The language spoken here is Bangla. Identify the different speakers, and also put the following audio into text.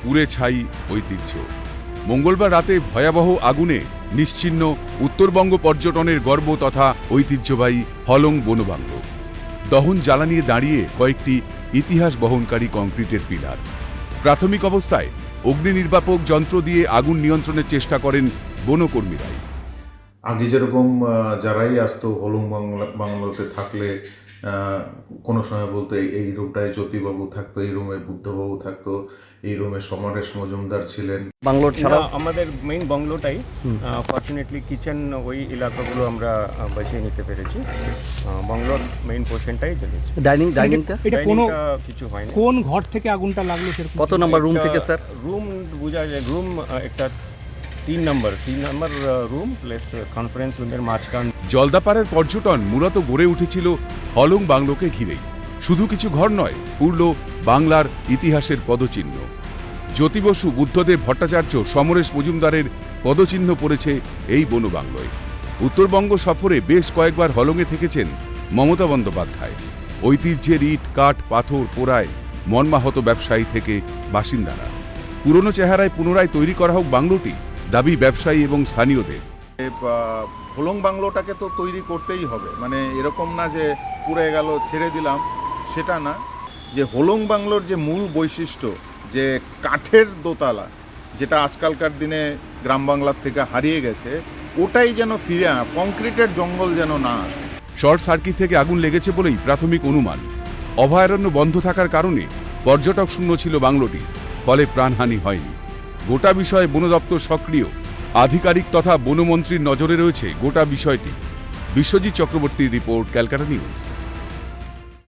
Speaker 1: পুড়ে ছাই ঐতিহ্য। মঙ্গলবার রাতে ভয়াবহ আগুনে নিশ্চিহ্ন উত্তরবঙ্গ পর্যটনের গর্ব তথা ঐতিহ্যবাহী হলং বনবাংলো। দহন জ্বালানিয়ে দাঁড়িয়ে কয়েকটি ইতিহাস বহনকারী কংক্রিটের পিলার। প্রাথমিক অবস্থায় অগ্নি নির্বাপক যন্ত্র দিয়ে আগুন নিয়ন্ত্রণের চেষ্টা করেন বনকর্মীরাই।
Speaker 2: আগে যেরকম যারাই আসতো হলং বাংলোতে থাকলে কোনো সময় বলতো এই রুমটায় জ্যোতিবাবু থাকতো, এই রুমে বুদ্ধবাবু থাকতো, এই রুমে সমরেশ মজুমদার ছিলেন।
Speaker 3: বাংলোর ছাড়া
Speaker 4: আমাদের মেইন বাংলোটাই ফর্চুনেটলি কিচেন ওই এলাকাগুলো আমরা বাঁচিয়ে নিতে পেরেছি। বাংলোর মেইন পোর্শনটাই জ্বলেছে।
Speaker 3: ডাইনিংটা
Speaker 5: এটা কোনো
Speaker 4: কিছু হয়নি।
Speaker 5: কোন ঘর থেকে আগুনটা লাগলো সেরকম?
Speaker 3: কত নম্বর রুম থেকে স্যার?
Speaker 4: রুম বোঝা যায়, রুম একটা 3 নম্বর রুম প্লাস কনফারেন্স রুমের মাঝখান।
Speaker 1: জলদাপাড়ার পর্যটন মূলত গড়ে উঠেছিল হলং বাংলোকে ঘিরেই। শুধু কিছু ঘর নয়, পুরল বাংলার ইতিহাসের পদচিহ্ন। জ্যোতি বসু, বুদ্ধদেব ভট্টাচার্য, সমরেশ মজুমদারের পদচিহ্ন পড়েছে এই বনবাংলোয়। উত্তরবঙ্গ সফরে বেশ কয়েকবার হলংয়ে থেকেছেন মমতা বন্দ্যোপাধ্যায়। ঐতিহ্যের ইট, কাঠ, পাথর পোড়ায় মর্মাহত ব্যবসায়ী থেকে বাসিন্দারা। পুরনো চেহারায় পুনরায় তৈরি করা হোক বাংলোটি, দাবি ব্যবসায়ী এবং স্থানীয়দের।
Speaker 2: হলং বাংলোটাকে তো তৈরি করতেই হবে, মানে এরকম না যে পুড়ে গেল ছেড়ে দিলাম, সেটা না। যে হলং বাংলোর যে মূল বৈশিষ্ট্য, যে কাঠের দোতলা, যেটা আজকালকার দিনে গ্রাম বাংলার থেকে হারিয়ে গেছে, ওটাই যেন ফিরে কংক্রিটের জঙ্গল যেন না আসে।
Speaker 1: শর্ট সার্কিট থেকে আগুন লেগেছে বলেই প্রাথমিক অনুমান। অভয়ারণ্য বন্ধ থাকার কারণে পর্যটক শূন্য ছিল বাংলোটি, ফলে প্রাণহানি হয়নি। গোটা বিষয়ে বন দপ্তর সক্রিয়। আধিকারিক তথা বনমন্ত্রীর নজরে রয়েছে গোটা বিষয়টি। বিশ্বজিৎ চক্রবর্তীর রিপোর্ট, ক্যালকাটা নিউজ।